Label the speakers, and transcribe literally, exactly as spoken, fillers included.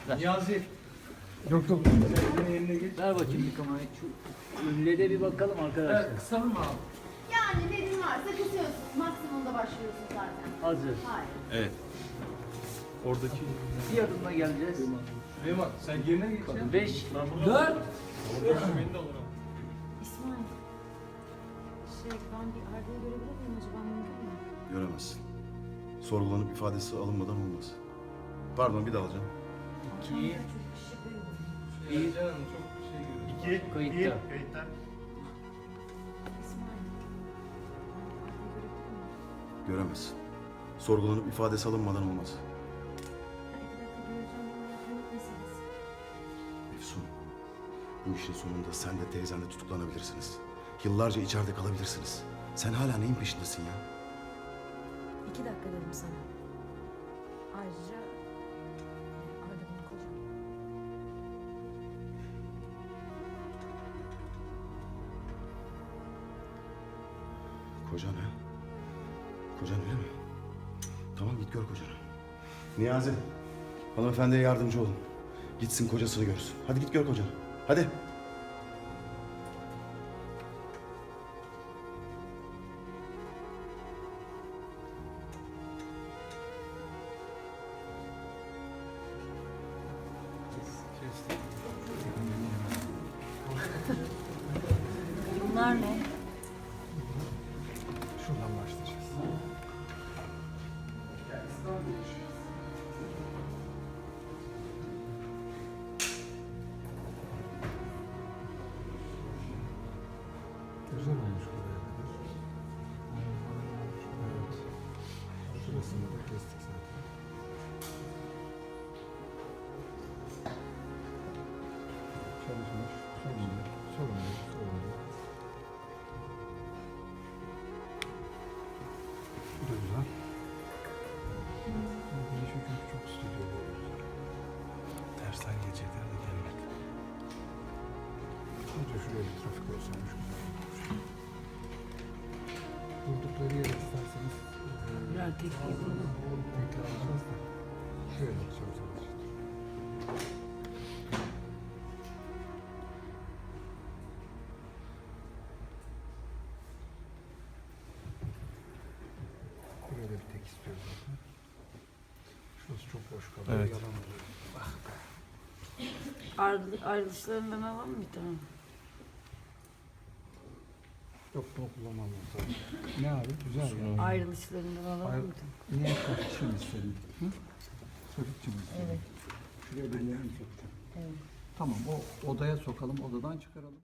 Speaker 1: Ver.
Speaker 2: Niyazi.
Speaker 3: Yok yok.
Speaker 2: Senin eline git.
Speaker 1: Ver bakayım bir kamerayı. Şu ünlüye de bir bakalım arkadaşlar.
Speaker 2: Evet, kısalım mı abi?
Speaker 4: Yani dediğin varsa kısıyorsun. Maksimumda başlıyorsun zaten.
Speaker 1: Hazır.
Speaker 4: Hayır.
Speaker 5: Evet. Oradaki
Speaker 1: Bir adımla geleceğiz.
Speaker 2: Süleyman sen yerine geç ya.
Speaker 1: Beş, dört.
Speaker 4: İsmail. Şey ben bir Arda'yı görebilir miyim acaba, mümkün mü?
Speaker 5: göremezsin. Sorgulanıp ifadesi alınmadan olmaz. Pardon, bir daha alacağım.
Speaker 1: İki,
Speaker 2: Bir. Canım çok şey görüyorum.
Speaker 1: iki, kayıtta.
Speaker 4: İsmail. Arda'yı görebilir miyim?
Speaker 5: Göremezsin. Sorgulanıp ifadesi alınmadan olmaz.
Speaker 4: Ha, iki dakika göreceğim. Bana yakınlık meselesi.
Speaker 5: Efsun, bu işin sonunda sen de teyzen de tutuklanabilirsiniz. Yıllarca içeride kalabilirsiniz. Sen hala neyin peşindesin ya?
Speaker 4: İki dakika dedim sana. Ayrıca Arda benim kocam.
Speaker 5: Kocan ha? Kocan öyle mi? Tamam, git gör kocanı. Niyazi, hanımefendiye yardımcı olun. Gitsin kocasını görsün. Hadi git gör kocanı. Hadi.
Speaker 4: Bunlar ne?
Speaker 3: Şuradan başlayacağız. Güzel olmuş bu yerdedir. Evet. Şurasını da kestik zaten. Çalışmış. Sorun yok. Sorun yok. Sorun yok. Bu da güzel. Bir çünkü çok stüdyo böyle.
Speaker 5: Tersten gelecekler de gelmek.
Speaker 3: Sadece şuraya bir trafik olsaymış güzel olurmuş. Durdukları yere isterseniz
Speaker 1: Birer tek yapalım.
Speaker 3: tekrar alacağız da şöyle yapacağız. Buraya da bir tek istiyoruz zaten. Şurası çok boş kalıyor.
Speaker 5: Evet.
Speaker 3: Yalan oluyor. Ah be.
Speaker 6: Ayrı- ayrılışlarından alalım mı bir tane?
Speaker 3: Yok bunu kullanmam lazım. Ne abi? Güzel ya.
Speaker 6: Ayrılışlarından alalım
Speaker 3: Ayrı-
Speaker 6: mı? bir tane?
Speaker 3: Niye sokakçı mı istedin? Hı? Sokakçı mı istedin?
Speaker 6: Evet.
Speaker 3: Şuraya birilerini mi sokacağım?
Speaker 6: Evet.
Speaker 3: Tamam, o odaya sokalım, odadan çıkaralım.